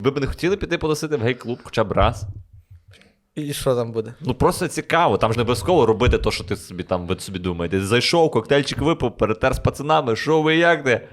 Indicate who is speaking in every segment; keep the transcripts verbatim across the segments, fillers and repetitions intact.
Speaker 1: Ви б не хотіли піти потусити в гей-клуб хоча б раз?
Speaker 2: І що там буде?
Speaker 1: Ну просто цікаво, там ж не обов'язково робити те, що ти собі там ви собі думаєте. Ти зайшов, коктейльчик випив, перетер з пацанами, що ви як де?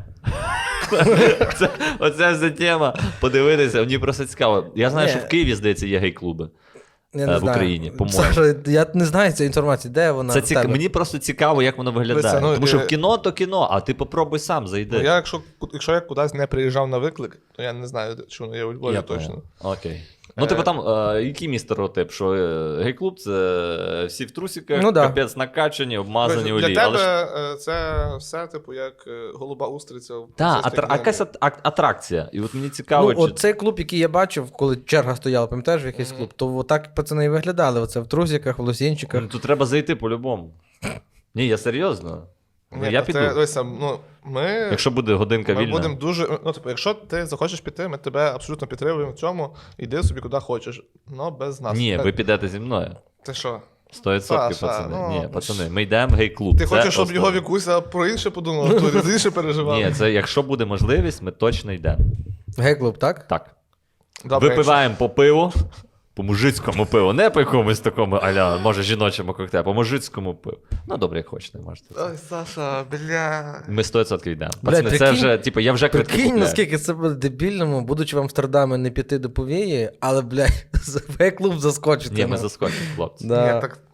Speaker 1: Це, оця вся тема. Подивитися, мені просто цікаво. Я знаю,
Speaker 2: Ні.
Speaker 1: що в Києві, здається, є гей-клуби.
Speaker 2: Я не
Speaker 1: В
Speaker 2: знаю.
Speaker 1: Україні, по-моєму.
Speaker 2: Саша, я не знаю цієї інформації, де вона
Speaker 1: Це
Speaker 2: в
Speaker 1: цік...
Speaker 2: тебе?
Speaker 1: Мені просто цікаво, як воно виглядає.
Speaker 3: Дивися, ну,
Speaker 1: Тому що
Speaker 3: е,
Speaker 1: в кіно то кіно, а ти попробуй сам, зайди.
Speaker 3: Ну, я, якщо, якщо я кудись не приїжджав на виклик, то я не знаю, чи воно є у Львові
Speaker 1: Я
Speaker 3: точно.
Speaker 1: понял. Окей. Ну, типу там, е, який мій стереотип, що е, гей-клуб це всі в трусиках,
Speaker 2: Ну, да.
Speaker 1: капець накачані, обмазані
Speaker 3: Для
Speaker 1: олії.
Speaker 3: тебе
Speaker 1: Але ж...
Speaker 3: е, це все, типу, як е, голуба устриця. в
Speaker 1: Так,
Speaker 3: російській
Speaker 1: атра...
Speaker 3: книгі.
Speaker 1: якась ат- ак- атракція. І от мені цікаво,
Speaker 2: Ну,
Speaker 1: чи...
Speaker 2: от цей клуб, який я бачив, коли черга стояла, пам'ятаєш, в якийсь клуб, то отак пацани і виглядали. Оце в трусиках, в лосінчиках.
Speaker 1: Ну, тут треба зайти по-любому. Ні, я серйозно. Ну,
Speaker 3: Ні,
Speaker 1: я
Speaker 3: та
Speaker 1: піду.
Speaker 3: Це, дивися, ну, ми,
Speaker 1: Якщо буде годинка
Speaker 3: ми
Speaker 1: вільна.
Speaker 3: будемо дуже. Ну, типу, якщо ти захочеш піти, ми тебе абсолютно підтримуємо в цьому. Іди собі куди хочеш. Ну, без нас.
Speaker 1: Ні,
Speaker 3: Та-
Speaker 1: ви підете зі мною.
Speaker 3: Ти що?
Speaker 1: сто відсотків,
Speaker 3: Саша,
Speaker 1: пацани.
Speaker 3: ну,
Speaker 1: Ні, пацани, ми йдемо в гей-клуб.
Speaker 3: Ти
Speaker 1: Це
Speaker 3: хочеш, щоб
Speaker 1: основне.
Speaker 3: його Вікуся про інше подумав, то за інше переживав.
Speaker 1: Ні, це якщо буде можливість, ми точно йдемо.
Speaker 2: Гей-клуб, так?
Speaker 1: Так.
Speaker 3: Добре,
Speaker 1: Випиваємо по пиву, по мужицькому пиву, не по якомусь такому, аля, може, жіночому коктейлю, по мужицькому пиву. Ну, добре, як хочете, можете.
Speaker 3: якщо- Ой, Саша, бля.
Speaker 1: Ми сто відсотків йдемо.
Speaker 2: Блядь,
Speaker 1: Пацани, це
Speaker 2: прикинь-
Speaker 1: вже, типу, я вже квитки
Speaker 2: Прикинь,
Speaker 1: купляю.
Speaker 2: наскільки це буде дебільному, будучи в Амстердамі, не піти до повії, але, блядь, в гей-клуб заскочити.
Speaker 1: Ні, ми
Speaker 2: ну.
Speaker 1: заскочимо, хлопці.
Speaker 2: Да.
Speaker 3: Ні, так